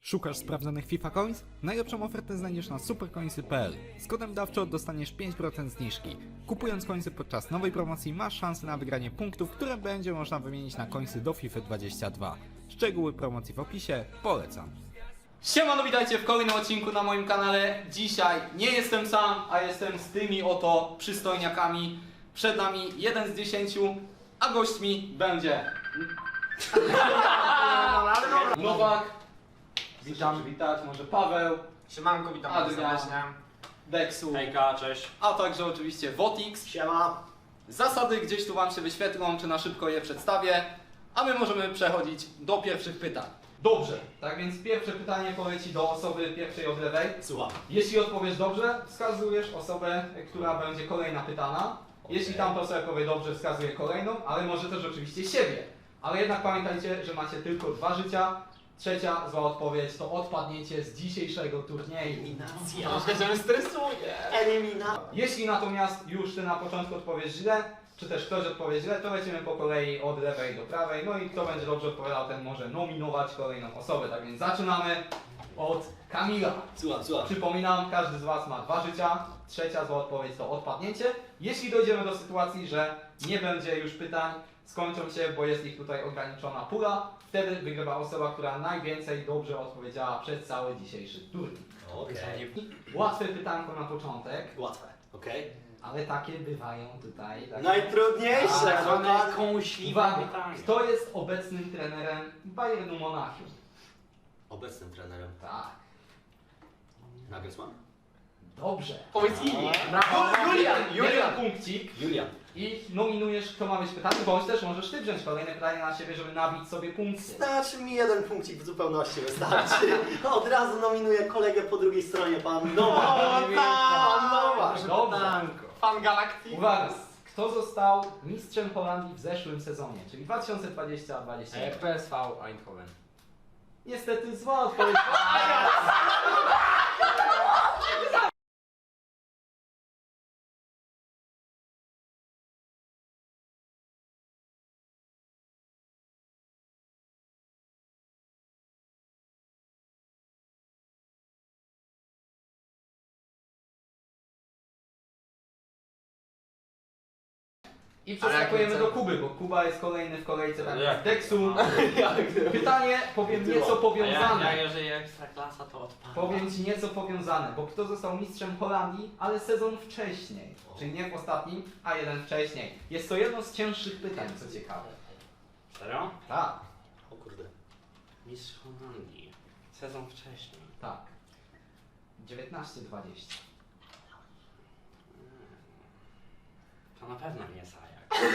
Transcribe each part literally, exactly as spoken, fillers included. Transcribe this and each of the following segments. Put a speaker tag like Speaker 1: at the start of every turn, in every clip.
Speaker 1: Szukasz sprawdzonych FIFA Coins? Najlepszą ofertę znajdziesz na supercoinsy kropka p l. Z kodem DAWCZO dostaniesz pięć procent zniżki. Kupując coinsy podczas nowej promocji masz szansę na wygranie punktów, które będzie można wymienić na coinsy do FIFA dwadzieścia dwa. Szczegóły promocji w opisie, polecam.
Speaker 2: Siemano, witajcie w kolejnym odcinku na moim kanale. Dzisiaj nie jestem sam, a jestem z tymi oto przystojniakami. Przed nami jeden z dziesięciu, a gośćmi będzie Nowak, witam, witać, może Paweł,
Speaker 3: Siemanko, witam was
Speaker 2: Adrian,
Speaker 3: serdecznie.
Speaker 2: Deksu,
Speaker 3: Hejka, cześć.
Speaker 2: a także oczywiście Wotix.
Speaker 3: Siema.
Speaker 2: Zasady gdzieś tu wam się wyświetlą, czy na szybko je przedstawię, a my możemy przechodzić do pierwszych pytań. Dobrze, tak więc pierwsze pytanie poleci do osoby pierwszej od lewej.
Speaker 3: Słucham.
Speaker 2: Jeśli odpowiesz dobrze, wskazujesz osobę, która będzie kolejna pytana. Jeśli tamta osoba powie dobrze, wskazuje kolejną, ale może też oczywiście siebie. Ale jednak pamiętajcie, że macie tylko dwa życia. Trzecia zła odpowiedź to odpadniecie z dzisiejszego turnieju.
Speaker 3: Eliminacja. Troszkę się stresuje. Elimina.
Speaker 2: Jeśli natomiast już ty na początku odpowiesz źle, czy też ktoś odpowie źle, to lecimy po kolei od lewej do prawej. No i kto będzie dobrze odpowiadał, ten może nominować kolejną osobę. Tak więc zaczynamy od Kamila.
Speaker 3: Słucham, słucham.
Speaker 2: Przypominam, każdy z was ma dwa życia. Trzecia zła odpowiedź to odpadnięcie. Jeśli dojdziemy do sytuacji, że nie będzie już pytań, skończą się, bo jest ich tutaj ograniczona pula, wtedy wygrywa osoba, która najwięcej dobrze odpowiedziała przez cały dzisiejszy turniej.
Speaker 3: Okej.
Speaker 2: Łatwe pytanko na początek,
Speaker 3: Łatwe. Okej.
Speaker 2: ale takie bywają tutaj. Takie...
Speaker 3: Najtrudniejsze.
Speaker 2: Tak,
Speaker 3: Zwane
Speaker 4: kąśliwe
Speaker 2: Uwaga,
Speaker 4: pytanie.
Speaker 2: kto jest obecnym trenerem Bayernu Monachium?
Speaker 3: Obecnym trenerem.
Speaker 2: Tak,
Speaker 3: Nagelsmann?
Speaker 2: dobrze.
Speaker 4: Powiedz imię.
Speaker 2: Julian,
Speaker 3: Julian.
Speaker 2: jeden punkcik.
Speaker 3: Julian.
Speaker 2: I nominujesz, kto ma być pytany, bądź też możesz ty wziąć kolejne pytanie na siebie, żeby nabić sobie punkty.
Speaker 5: Starczy mi jeden punkcik w zupełności wystarczy. Od razu nominuję kolegę po drugiej stronie, pan Nowak. Pan Nowak.
Speaker 2: Dobrze.
Speaker 4: Fan Galaktii.
Speaker 2: Uwaga, kto został mistrzem Holandii w zeszłym sezonie, czyli dwa tysiące dwudziestym dwudziestym?
Speaker 4: P S V Eindhoven.
Speaker 2: Niestety zła odpowiedź. I przeskakujemy
Speaker 4: Ale jak
Speaker 2: do Kuby, bo Kuba jest kolejny w kolejce. Tak
Speaker 4: Jak?
Speaker 2: więc Deksu. Pytanie, powiem nieco powiązane.
Speaker 4: jeżeli Ekstraklasa, to odpadam.
Speaker 2: Powiem ci nieco powiązane, bo kto został mistrzem Holandii, ale sezon wcześniej. Czyli nie w ostatnim, a jeden wcześniej. Jest to jedno z cięższych pytań, co ciekawe.
Speaker 4: Serio?
Speaker 2: Tak,
Speaker 5: O kurde.
Speaker 4: Mistrz Holandii. Sezon wcześniej.
Speaker 2: tak. dziewiętnaście dwadzieścia.
Speaker 4: To na pewno nie Sajak.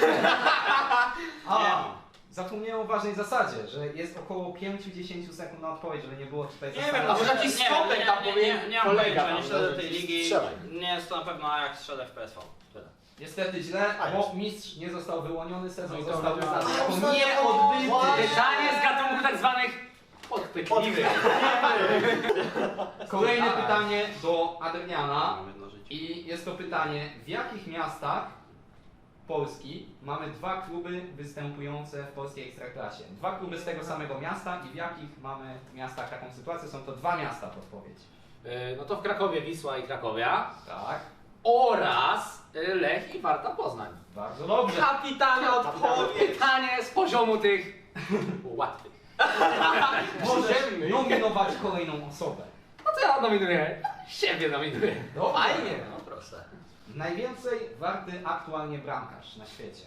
Speaker 2: A,
Speaker 4: Nie.
Speaker 2: zapomniałem o ważnej zasadzie, że jest około pięć do dziesięciu sekund na odpowiedź, żeby nie było tutaj
Speaker 4: Nie
Speaker 2: zasady.
Speaker 4: wiem,
Speaker 3: A może jakiś
Speaker 4: nie,
Speaker 3: skopek
Speaker 4: nie,
Speaker 3: tam
Speaker 4: nie,
Speaker 3: powinien
Speaker 4: nie, nie mam
Speaker 3: kolega
Speaker 4: pojęcia,
Speaker 3: tam
Speaker 4: nie śledzę tej
Speaker 3: zrobić.
Speaker 4: ligi.
Speaker 5: Strzelaj.
Speaker 4: Nie jest to na pewno jak strzelę w P S V. Tyle.
Speaker 2: Niestety źle,
Speaker 5: A,
Speaker 2: bo
Speaker 5: jest.
Speaker 2: mistrz nie został wyłoniony, sezon
Speaker 4: No i to
Speaker 2: został
Speaker 4: dobra.
Speaker 2: uznany
Speaker 5: A,
Speaker 2: jako
Speaker 5: ostatnio-
Speaker 2: nieodbyty.
Speaker 5: Właśnie.
Speaker 4: Pytanie z gatunku tak zwanych podpytliwych.
Speaker 2: Kolejne
Speaker 4: Tak.
Speaker 2: pytanie do Adriana.
Speaker 4: Mam jedno życie.
Speaker 2: I jest to pytanie, w jakich miastach Polski mamy dwa kluby występujące w polskiej ekstraklasie? Dwa kluby z tego samego miasta i w jakich mamy miastach taką sytuację? Są to dwa miasta, podpowiedź.
Speaker 6: Yy, No to w Krakowie Wisła i Krakowia
Speaker 2: Tak,
Speaker 6: oraz yy, Lech i Warta Poznań.
Speaker 2: bardzo dobrze.
Speaker 6: Kapitalna
Speaker 5: odpowiedź.
Speaker 6: Pytanie z poziomu tych łatwych.
Speaker 2: Możesz nominować kolejną osobę.
Speaker 6: No to ja nominuję. Siebie nominuję.
Speaker 2: Dobrze.
Speaker 6: Fajnie.
Speaker 5: No proste.
Speaker 2: Najwięcej warty aktualnie bramkarz na świecie.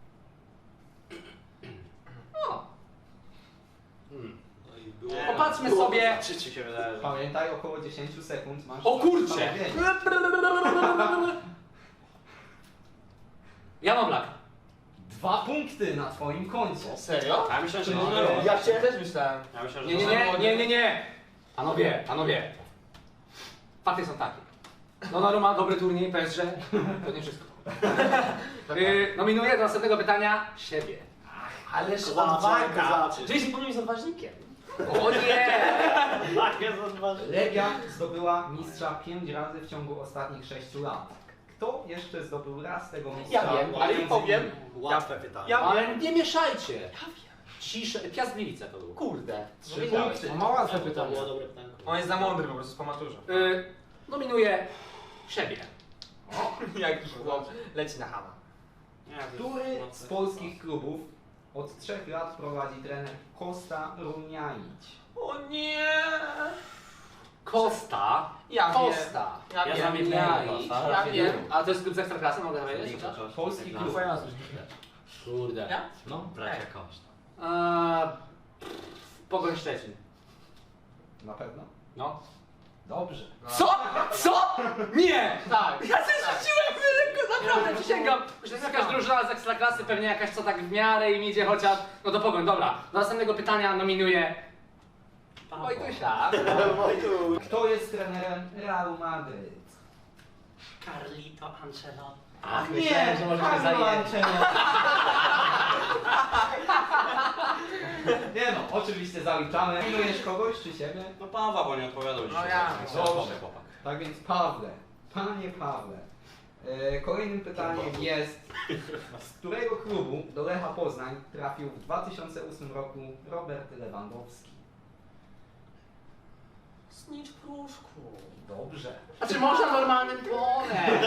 Speaker 6: O.
Speaker 4: Hmm.
Speaker 5: No i było.
Speaker 4: Nie,
Speaker 6: Popatrzmy
Speaker 5: było
Speaker 6: sobie.
Speaker 5: to
Speaker 4: Czy ci się wydaje, że...
Speaker 2: Pamiętaj, około dziesięć sekund masz.
Speaker 6: O kurczę.
Speaker 2: zastanowienie.
Speaker 6: Jan Oblak.
Speaker 2: Dwa punkty na twoim koncie.
Speaker 5: Serio?
Speaker 4: Ja myślę, że...
Speaker 2: No,
Speaker 4: No,
Speaker 5: Ja się też myślałem.
Speaker 4: ja myślę, że...
Speaker 6: Nie, nie, nie, nie, nie, nie. Panowie, panowie. Fakty są takie. Donnarumma, dobry turniej, P S G. To nie wszystko. Yy, nominuję do następnego pytania siebie.
Speaker 5: Ależ
Speaker 3: Zobaczę,
Speaker 5: odwagę
Speaker 3: zobaczę.
Speaker 5: zobaczysz.
Speaker 6: Jason powinien być odważnikiem. O nie!
Speaker 3: Tak jest odważny.
Speaker 2: Legia zdobyła mistrza pięć razy w ciągu ostatnich sześciu lat. Kto jeszcze zdobył raz tego mistrza?
Speaker 5: Ja wiem, ale
Speaker 2: Między
Speaker 5: powiem.
Speaker 2: innymi
Speaker 5: Łatwe pytanie.
Speaker 3: Ja-
Speaker 6: Ale nie mieszajcie. Cisze, Piast Gliwice to był.
Speaker 4: Kurde.
Speaker 2: Trzy
Speaker 4: wiedziałeś.
Speaker 2: punkty.
Speaker 7: No ma łatwe
Speaker 5: To
Speaker 7: pytanie.
Speaker 5: było dobre pytanie.
Speaker 7: On jest za mądry po prostu po maturze.
Speaker 6: Y, nominuję siebie.
Speaker 7: Jaki chłop leci na Hama.
Speaker 2: Który z polskich klubów od trzech lat prowadzi trener Kosta Runiaić?
Speaker 7: O nie!
Speaker 6: Kosta.
Speaker 7: Ja
Speaker 6: Kosta.
Speaker 7: Ja
Speaker 3: Ja
Speaker 7: wiem.
Speaker 3: znam jednego Kosta.
Speaker 7: Ja wiem.
Speaker 6: A to jest klub z Ekstraklasy, mogę powiedzieć?
Speaker 2: Polski klub.
Speaker 7: Twoja nazwisko.
Speaker 6: Kurde.
Speaker 7: Ja?
Speaker 3: No, bracia Koszta.
Speaker 6: Eee, Pogoń Szczecin.
Speaker 2: Na pewno?
Speaker 6: No.
Speaker 2: Dobrze.
Speaker 6: Co? Co? Nie!
Speaker 7: Tak.
Speaker 6: Ja też rzuciłem tylko, naprawdę przysięgam. Że jest jakaś drużyna z Ekstraklasy, pewnie jakaś co tak w miarę im idzie chociaż. No to Pogoń, dobra. Do następnego pytania nominuję Wojtusia.
Speaker 5: Wojtu.
Speaker 2: Kto jest trenerem Realu Madryt?
Speaker 5: Carlito Ancelotti.
Speaker 6: Ach, myślałem, że może się zajęć.
Speaker 2: Nie no, oczywiście zaliczamy. Nominujesz kogoś czy siebie?
Speaker 3: No Pawła, bo nie odpowiadał
Speaker 7: No
Speaker 3: dzisiaj.
Speaker 7: ja.
Speaker 2: Dobrze. Tak więc Pawle, panie Pawle, e, kolejnym pytaniem jest, z którego klubu do Lecha Poznań trafił w dwa tysiące ósmym roku Robert Lewandowski?
Speaker 7: Znicz pruszku.
Speaker 2: Dobrze.
Speaker 6: Znaczy można normalnym tonem.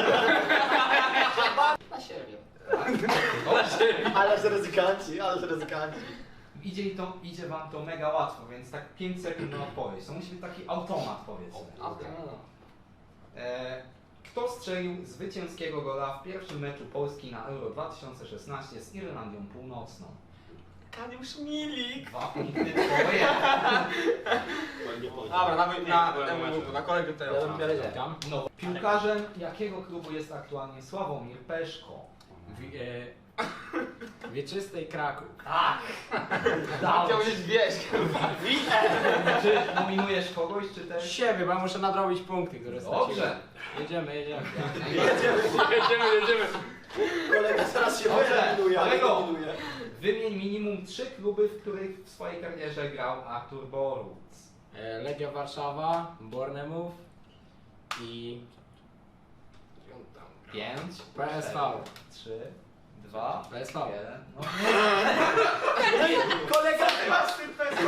Speaker 7: Na siebie.
Speaker 5: Ale z ryzykanci, ale z ryzykanci.
Speaker 2: Idzie, i to, idzie wam to mega łatwo, więc tak pięć sekund na odpowiedź. To musi być taki automat, powiedzmy. E, kto strzelił zwycięskiego gola w pierwszym meczu Polski na Euro dwa tysiące szesnaście z Irlandią Północną?
Speaker 7: Kadiusz Milik.
Speaker 2: Dwa punkty twoje.
Speaker 7: Dobra, na, na,
Speaker 3: byłem
Speaker 7: temu
Speaker 3: meczu.
Speaker 7: grupu, na kolegę tego.
Speaker 6: Ja bym powiedział.
Speaker 2: No, piłkarzem jakiego klubu jest aktualnie Sławomir Peszko?
Speaker 8: W, e, Wieczystej Kraków.
Speaker 2: Dał.
Speaker 7: Chciał być wieś.
Speaker 2: Czy nominujesz kogoś, czy też...
Speaker 8: Siebie, bo ja muszę nadrobić punkty, które straciłem.
Speaker 2: Dobrze.
Speaker 8: Jedziemy, jedziemy.
Speaker 6: Jedziemy, jedziemy.
Speaker 5: Kolega zaraz się
Speaker 2: Dobrze,
Speaker 5: wyeliminuje, ale
Speaker 2: kolego.
Speaker 5: eliminuje.
Speaker 2: Wymień minimum trzy kluby, w których w swojej karierze grał Artur Boruc.
Speaker 8: E, Legia Warszawa, Bournemouth i...
Speaker 2: Pięć,
Speaker 8: P S V.
Speaker 2: cztery, trzy, dwa,
Speaker 8: P S V.
Speaker 2: jeden. No.
Speaker 5: Kolega chyba z tym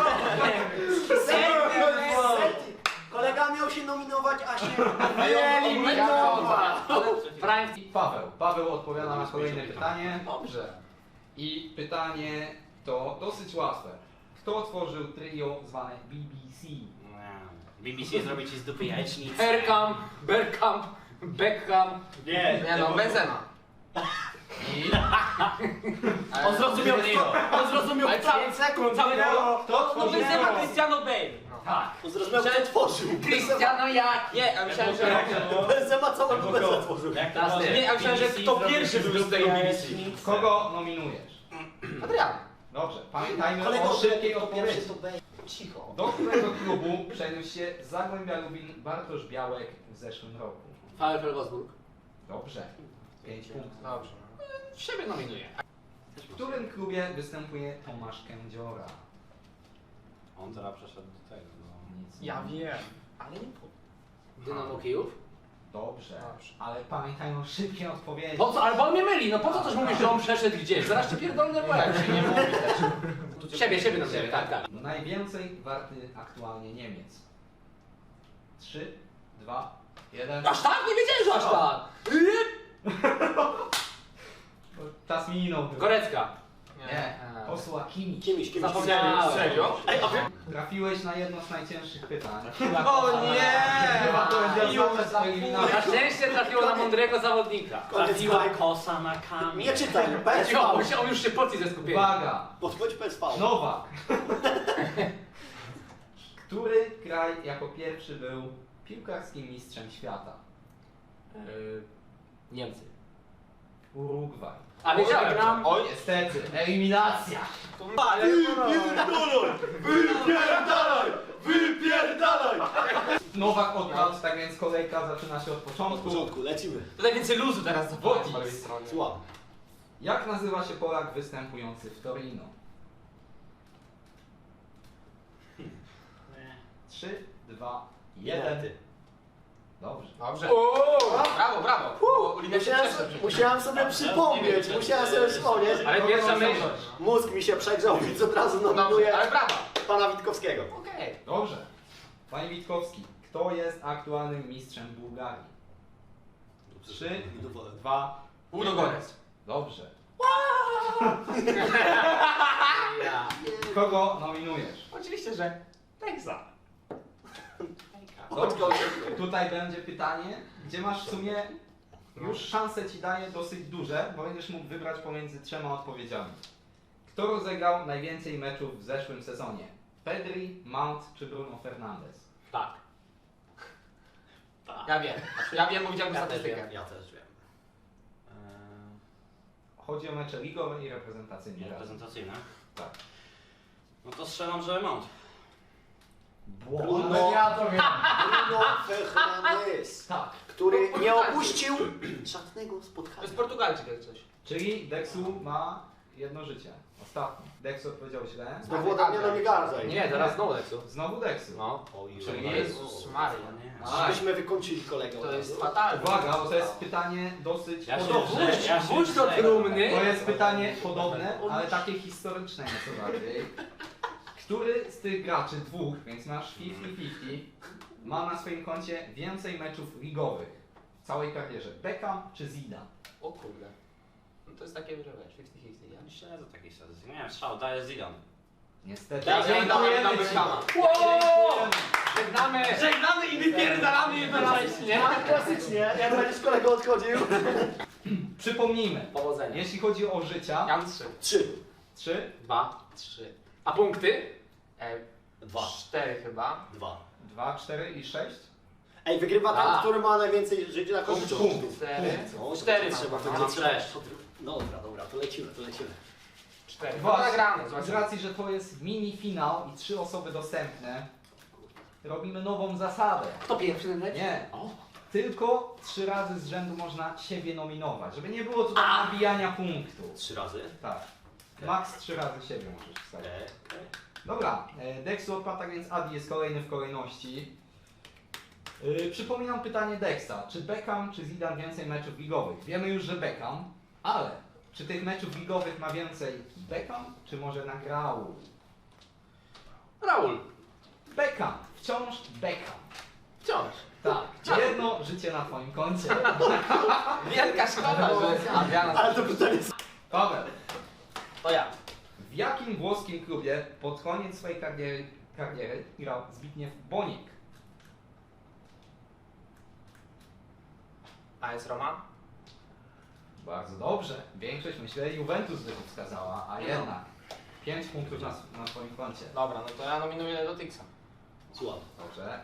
Speaker 5: Kolega miał się nominować, a się
Speaker 6: Wyeliminował. Brian
Speaker 2: I Paweł. Paweł odpowiada na kolejne pytanie.
Speaker 7: Dobrze.
Speaker 2: I pytanie to dosyć łatwe. Kto otworzył trio zwane B B C?
Speaker 3: B B C zrobi ci z dupy jajecznicę.
Speaker 6: Bergkamp, Bergkamp, Beckham.
Speaker 3: Nie,
Speaker 7: Nie no, Benzema.
Speaker 2: I
Speaker 7: On zrozumiał to. On zrozumiał
Speaker 6: Ale
Speaker 7: cały
Speaker 6: pięć sekund.
Speaker 7: cały
Speaker 2: kto, kto
Speaker 7: No
Speaker 2: otworzył
Speaker 7: Benzema,
Speaker 2: trio?
Speaker 7: Cristiano Bale.
Speaker 2: Tak.
Speaker 5: On zrozumiał, kto tworzył.
Speaker 6: Cristiano jak?
Speaker 7: Nie, a myślałem, że...
Speaker 5: Benzema całego Benzema tworzył.
Speaker 3: Jak to
Speaker 6: Teraz
Speaker 3: może?
Speaker 6: ty.
Speaker 7: Nie, a myślałem, że kto pierwszy był z tego B B C.
Speaker 2: Kogo nominujesz?
Speaker 7: Adrian.
Speaker 2: Dobrze, pamiętajmy
Speaker 5: Kolego,
Speaker 2: o szybkiej
Speaker 5: to pierwszy
Speaker 2: odpowiedzi.
Speaker 5: to Bale. Cicho.
Speaker 2: Do którego klubu przeniósł się z Zagłębia Lubin Bartosz Białek w zeszłym roku?
Speaker 6: VfL Wolfsburg.
Speaker 2: Dobrze. Pięć punktów.
Speaker 7: Dobrze.
Speaker 6: Siebie nominuję.
Speaker 2: W którym klubie występuje Tomasz Kędziora?
Speaker 3: On teraz przeszedł do tego. No.
Speaker 2: Nic
Speaker 7: Ja
Speaker 2: nie-
Speaker 7: wiem. Ale nie powiem.
Speaker 6: Dynamo Kijów.
Speaker 2: Dobrze,
Speaker 7: Dobrze.
Speaker 2: ale pamiętajmy o szybkiej odpowiedzi.
Speaker 6: Po co? Ale bo on mnie myli, no po co też mówisz, że on przeszedł gdzieś? Zaraz ci pierdolę w łeb.
Speaker 7: Tak się nie mówi też.
Speaker 6: Siebie, siebie nominuję, tak, tak.
Speaker 2: Najwięcej warty aktualnie Niemiec. Trzy, dwa, jeden.
Speaker 6: Aż tak? Nie wiedziałem, że aż tak.
Speaker 2: Czas minął.
Speaker 6: Gorecka.
Speaker 2: Nie, posła Kimich.
Speaker 5: Kimś, kimś.
Speaker 6: Zapomniałem.
Speaker 7: Serio?
Speaker 2: Trafiłeś na jedno z najcięższych pytań.
Speaker 7: O nie!
Speaker 2: Chyba to będzie oznaczać
Speaker 6: Na
Speaker 2: eliminację.
Speaker 6: szczęście trafiło na mądrego zawodnika.
Speaker 5: Koniec
Speaker 3: Trafiła
Speaker 5: bajki.
Speaker 3: kosa na kamień.
Speaker 5: Nie czytaj, P S V.
Speaker 6: Cicho, on, się, on już się poci ze skupienia.
Speaker 2: Uwaga!
Speaker 5: Podchodź P S V.
Speaker 2: Nowak. Który kraj jako pierwszy był piłkarskim mistrzem świata?
Speaker 8: E, Niemcy.
Speaker 2: Urugwaj.
Speaker 6: A wiedziałem.
Speaker 8: Gram.
Speaker 7: Oj,
Speaker 2: Niestety, eliminacja.
Speaker 7: ale...
Speaker 5: Wypierdalaj! Wypierdalaj!
Speaker 2: Nowak odpadł, tak więc kolejka zaczyna się od
Speaker 5: W
Speaker 2: początku.
Speaker 5: porządku, lecimy.
Speaker 7: Tutaj więcej luzu teraz
Speaker 2: Wodzic.
Speaker 7: po lewej stronie.
Speaker 5: Słucham.
Speaker 2: Jak nazywa się Polak występujący w Torino? Trzy, dwa, jeden. Dobrze.
Speaker 6: Dobrze.
Speaker 7: Brawo,
Speaker 6: Brawo, brawo. Bo Linia się
Speaker 5: Musiałem,
Speaker 6: przeszedł.
Speaker 5: so- musiałem sobie przypomnieć, musiałem sobie przypomnieć.
Speaker 6: Ale pierwsza myśl.
Speaker 5: Mózg mi się przegrzał, więc od razu
Speaker 6: Dobrze,
Speaker 5: nominuję
Speaker 6: ale brawa.
Speaker 5: pana Witkowskiego.
Speaker 6: Okej.
Speaker 2: Dobrze. Panie Witkowski, kto jest aktualnym mistrzem Bułgarii? Trzy, dwa,
Speaker 6: Łudogorec.
Speaker 2: Dobrze.
Speaker 8: Ja.
Speaker 2: Kogo nominujesz?
Speaker 6: Oczywiście, że Teksa.
Speaker 2: Dobrze. Tutaj będzie pytanie, gdzie masz w sumie już szanse ci daje dosyć duże, bo będziesz mógł wybrać pomiędzy trzema odpowiedziami. Kto rozegrał najwięcej meczów w zeszłym sezonie? Pedri, Mount czy Bruno Fernandes?
Speaker 8: Tak.
Speaker 6: Ja wiem. Ja wiem, bo widziałem
Speaker 8: Ja też
Speaker 6: statystykę.
Speaker 8: wiem.
Speaker 5: Ja też wiem.
Speaker 3: Eee,
Speaker 2: Chodzi o mecze ligowe i reprezentacyjne.
Speaker 3: nie
Speaker 2: razem.
Speaker 3: reprezentacyjne.
Speaker 2: Tak.
Speaker 3: No to strzelam, że Mount.
Speaker 5: Bruno,
Speaker 7: Ja to wiem.
Speaker 5: Bruno Fernandes,
Speaker 2: Tak.
Speaker 5: który
Speaker 6: Po-
Speaker 5: nie
Speaker 6: Portugalczyk.
Speaker 5: opuścił żadnego
Speaker 6: To
Speaker 5: spotkania.
Speaker 6: jest Portugalczyk jak coś.
Speaker 2: Czyli Dexu ma jedno życie. Ostatnie. Dexu odpowiedział źle.
Speaker 5: Znowu ode mnie no nie gardzaj.
Speaker 6: Nie, teraz znowu Leksu.
Speaker 2: Znowu Dexu.
Speaker 6: No.
Speaker 5: Oj,
Speaker 2: Czyli
Speaker 5: oj,
Speaker 6: Jezus
Speaker 5: oj.
Speaker 6: Maria.
Speaker 3: Nie.
Speaker 2: A,
Speaker 5: Żebyśmy wykończyli kolegę.
Speaker 6: To
Speaker 5: od
Speaker 6: jest
Speaker 5: razu.
Speaker 6: fatalne.
Speaker 2: Uwaga, bo to jest pytanie dosyć
Speaker 3: Ja się
Speaker 2: podobne.
Speaker 3: już- ja się
Speaker 6: Wódź
Speaker 3: już
Speaker 6: do
Speaker 3: zlekam.
Speaker 6: trumny.
Speaker 2: To jest pytanie podobne, ale takie historyczne nieco bardziej. Który z tych graczy, dwóch, więc masz pięćdziesiąt pięćdziesiąt, ma na swoim koncie więcej meczów ligowych w całej karierze? Beckham czy Zidane?
Speaker 6: O kurde. No to jest takie, że wiesz, pięćdziesiąt pięćdziesiąt.
Speaker 3: Ja nie śledzę takiej statystyki. Nie wiem, strzał, daję Zidane.
Speaker 2: Niestety.
Speaker 6: Ja wiem, damy
Speaker 2: Dziękujemy
Speaker 6: damy
Speaker 2: ci.
Speaker 6: Beckhama. Żegnamy!
Speaker 7: Żegnamy i wypierdalamy jednocześnie.
Speaker 5: Tak, klasycznie, jak będziesz kolego odchodził.
Speaker 2: Przypomnijmy,
Speaker 6: Powodzenia.
Speaker 2: jeśli chodzi o życia,
Speaker 6: Ja mam trzy.
Speaker 5: Trzy.
Speaker 2: trzy,
Speaker 6: Dwa, trzy. A punkty? E,
Speaker 5: Dwa.
Speaker 6: Cztery chyba.
Speaker 5: Dwa.
Speaker 2: dwa, cztery i sześć.
Speaker 5: Ej, wygrywa ten,
Speaker 6: A.
Speaker 5: który ma najwięcej życia na końcu.
Speaker 2: Punktów.
Speaker 6: Cztery.
Speaker 5: No,
Speaker 6: Cztery
Speaker 5: trzeba,
Speaker 6: mam,
Speaker 5: to
Speaker 6: no.
Speaker 5: będzie trzeba.
Speaker 3: Sześć.
Speaker 5: Dobra, dobra, to lecimy, to lecimy.
Speaker 6: Cztery. No
Speaker 2: Właśnie,
Speaker 6: nagrane,
Speaker 2: z
Speaker 6: zobaczymy.
Speaker 2: racji, że to jest mini finał i trzy osoby dostępne, robimy nową zasadę.
Speaker 6: Kto pierwszy ten leci?
Speaker 2: Nie. Tylko trzy razy z rzędu można siebie nominować, żeby nie było tutaj nabijania punktu.
Speaker 5: Trzy razy.
Speaker 2: Tak. Max trzy razy siebie możesz wstawić.
Speaker 5: Okej, okej.
Speaker 2: Dobra, e, Dexu odpadł, tak więc Adi jest kolejny w kolejności. Yy, przypominam pytanie Dexa. Czy Beckham, czy Zidane więcej meczów ligowych? Wiemy już, że Beckham, ale czy tych meczów ligowych ma więcej Beckham, czy może nagrał?
Speaker 6: Raul.
Speaker 2: Beckham, wciąż Beckham.
Speaker 6: Wciąż.
Speaker 2: Tak, jedno życie na twoim koncie.
Speaker 6: Wielka szkoda, że Adriana...
Speaker 5: Ale to pytanie jest...
Speaker 2: Paweł,
Speaker 6: To ja.
Speaker 2: w jakim włoskim klubie pod koniec swojej kariery, kariery grał Zbigniew Boniek?
Speaker 6: A jest Roma?
Speaker 2: Bardzo dobrze. Większość, myślę, Juventus by tu wskazała, a jednak pięć punktów na, na swoim koncie.
Speaker 6: Dobra, no to ja nominuję do Tixa.
Speaker 5: Słucham.
Speaker 2: Dobrze.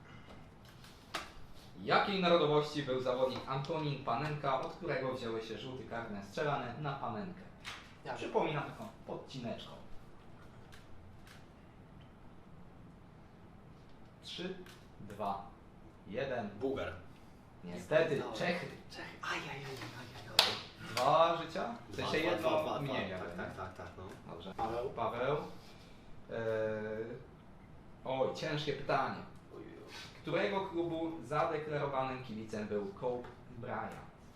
Speaker 2: Jakiej narodowości był zawodnik Antonin Panenka, od którego wzięły się żółty karne strzelane na Panenkę?
Speaker 6: Ja wiem.
Speaker 2: Przypominam taką podcineczką. Trzy, dwa, jeden.
Speaker 5: Bułgar.
Speaker 2: Niestety, Czechy.
Speaker 5: Czekaj, ajajaj.
Speaker 2: Dwa życia? W sensie
Speaker 5: Dwa,
Speaker 2: jedno
Speaker 5: dwa, dwa,
Speaker 2: mniej.
Speaker 5: dwa.
Speaker 2: ale
Speaker 5: Tak,
Speaker 2: nie?
Speaker 5: tak, tak, tak, no.
Speaker 2: Dobrze.
Speaker 6: Paweł.
Speaker 2: Paweł. Eee... Oj, ciężkie pytanie. Którego klubu zadeklarowanym kibicem był Kobe Bryant?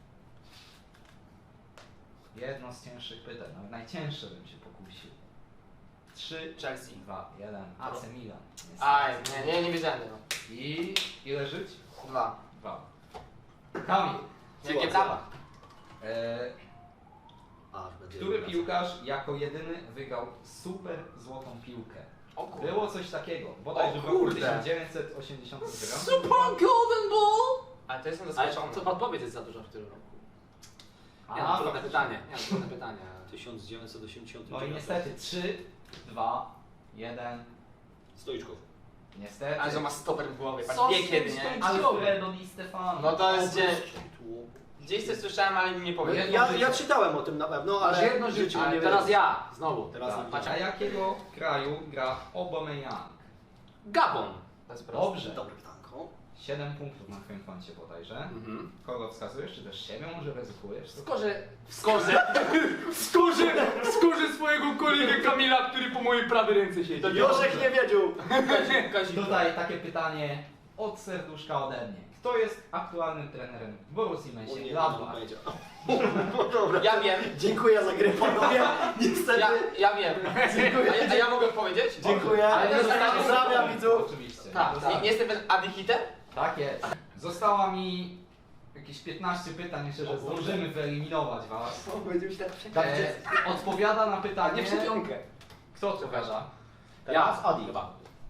Speaker 2: Jedno z cięższych pytań, nawet najcięższe bym się pokusił. Trzy,
Speaker 6: Chelsea.
Speaker 2: dwa, jeden. A C Milan. Niestety.
Speaker 6: Aj, nie, nie, nie wiedziałem tego.
Speaker 2: I ile żyć?
Speaker 6: Dwa.
Speaker 2: Dwa. Kamil.
Speaker 6: Jakie brawa?
Speaker 2: Eee,
Speaker 5: Aż będzie
Speaker 2: który
Speaker 5: wracał.
Speaker 2: piłkarz jako jedyny wygrał super złotą piłkę?
Speaker 6: O kurde.
Speaker 2: Było coś takiego, bodajże
Speaker 6: O
Speaker 2: w roku
Speaker 6: kurde.
Speaker 2: tysiąc dziewięćset osiemdziesiątym dziewiątym.
Speaker 7: Golden Ball!
Speaker 6: Ale to jestem
Speaker 8: Ale
Speaker 6: zaskoczony.
Speaker 8: to podpowiedź jest za dużo w tym roku.
Speaker 2: A,
Speaker 8: Ja mam trudne
Speaker 2: faktycznie.
Speaker 8: pytanie. Ja mam trudne pytanie.
Speaker 5: tysiąc dziewięćset osiemdziesiąty
Speaker 2: No i niestety trzy, dwa, jeden.
Speaker 5: Stoiczków.
Speaker 2: Niestety.
Speaker 6: Ale że ma stoper w głowie, patrz,
Speaker 7: Co
Speaker 6: wie
Speaker 7: z
Speaker 6: kiedy,
Speaker 7: tym
Speaker 6: nie?
Speaker 7: stoiczkiem?
Speaker 2: Alfredo Di Stefano.
Speaker 6: No to jest gdzie...
Speaker 5: Tłu.
Speaker 6: Gdzieś coś słyszałem, ale nie powiem.
Speaker 2: Jedno
Speaker 5: Ja,
Speaker 2: życie.
Speaker 5: ja czytałem o tym na pewno,
Speaker 6: Masz
Speaker 5: ale
Speaker 6: jedno
Speaker 5: w życiu
Speaker 6: życie,
Speaker 5: nie
Speaker 8: Ale
Speaker 5: wiem.
Speaker 8: teraz ja, znowu.
Speaker 5: Teraz
Speaker 2: Tak.
Speaker 5: tak.
Speaker 2: A jakiego kraju gra Aubameyang?
Speaker 8: Gabon.
Speaker 6: To jest proste.
Speaker 2: Dobrze.
Speaker 5: Dobre pytanko.
Speaker 2: siedem punktów na twoim koncie bodajże.
Speaker 8: Mhm.
Speaker 2: Kogo wskazujesz? Czy też siebie może ryzykujesz?
Speaker 6: W skórze... W skórze... W skórze... W skórze swojego kolegi Kamila, który po mojej prawej ręce siedzi.
Speaker 5: Joszek nie wiedział.
Speaker 6: Kazik.
Speaker 2: Tutaj takie pytanie od serduszka ode mnie. Kto jest aktualnym trenerem Borussii
Speaker 5: O nie,
Speaker 2: Mönchengladbach?
Speaker 5: powiedział. No dobra.
Speaker 7: Ja wiem.
Speaker 5: Dziękuję za grę, panowie. Niestety.
Speaker 7: Ja, ja wiem.
Speaker 5: Dziękuję.
Speaker 7: A, ja- a ja mogę powiedzieć?
Speaker 5: Dziękuję.
Speaker 7: Ale też zostanie-
Speaker 5: Pozdrawiam widzów.
Speaker 2: Oczywiście.
Speaker 7: Tak, nie, nie jestem Adi Hiter?
Speaker 2: Tak jest. Została mi jakieś piętnaście pytań, myślę, że zdążymy wyeliminować was.
Speaker 7: Będziemy się tak
Speaker 2: E, odpowiada na pytanie,
Speaker 6: Nie w szczepionkę.
Speaker 2: kto odpowiada?
Speaker 5: Teraz Adi.
Speaker 8: Chyba.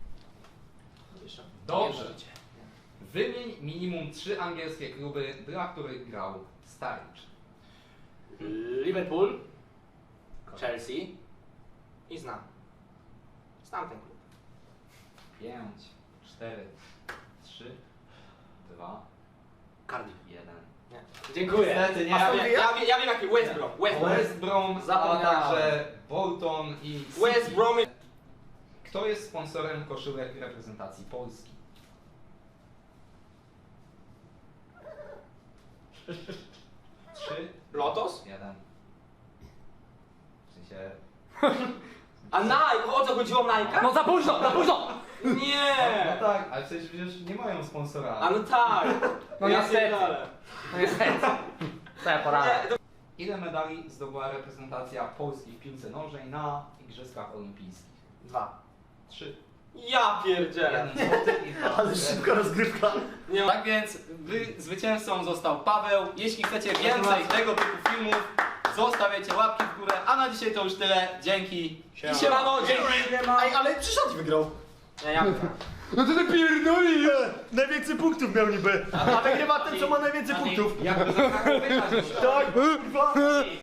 Speaker 2: Dobrze. Wymień minimum trzy angielskie kluby, dla których grał Staricz.
Speaker 8: Liverpool, Chelsea i znam. Znam ten klub.
Speaker 2: pięć, cztery, trzy, dwa,
Speaker 8: Cardiff.
Speaker 2: jeden.
Speaker 8: Nie. Dziękuję.
Speaker 2: Niestety nie.
Speaker 7: Ja
Speaker 2: Ja
Speaker 7: wiem, ja wiem, ja wiem jaki West Brom. West Brom.
Speaker 2: West Brom, a
Speaker 6: Zapomniałem.
Speaker 2: także Bolton i City.
Speaker 7: West Brom.
Speaker 2: Kto jest sponsorem koszulek reprezentacji Polski? Trzy,
Speaker 7: Lotos?
Speaker 2: jeden. W sensie...
Speaker 7: A Nike, o co chodziło o Nike?
Speaker 6: No za późno, za późno!
Speaker 7: Nie!
Speaker 2: No tak, ale przecież przecież nie mają sponsora.
Speaker 7: A no tak!
Speaker 6: No
Speaker 7: Ja
Speaker 6: niestety.
Speaker 7: pierdolę.
Speaker 6: No niestety. Co ja poradzę?
Speaker 7: Nie, to-
Speaker 2: Ile medali zdobyła reprezentacja Polski w piłce nożnej na Igrzyskach Olimpijskich?
Speaker 7: Dwa.
Speaker 2: Trzy.
Speaker 7: Ja pierdzielę.
Speaker 2: Jeden złoty i dwa.
Speaker 5: Ale szybka rozgrywka.
Speaker 7: Nie ma...
Speaker 2: Tak więc wy, zwycięzcą został Paweł. Jeśli chcecie więcej tego typu filmów, zostawiajcie łapki w górę. A na dzisiaj to już tyle. Dzięki.
Speaker 7: I siemano, dzięki.
Speaker 5: Ej, ale przyszedł wygrał.
Speaker 7: Nie, ja
Speaker 5: No to ty pierdoli! Najwięcej punktów miał niby. A wygrywa ten, co ma najwięcej punktów.
Speaker 2: Jakby zabrakło pytań.
Speaker 5: Tak, kurwa.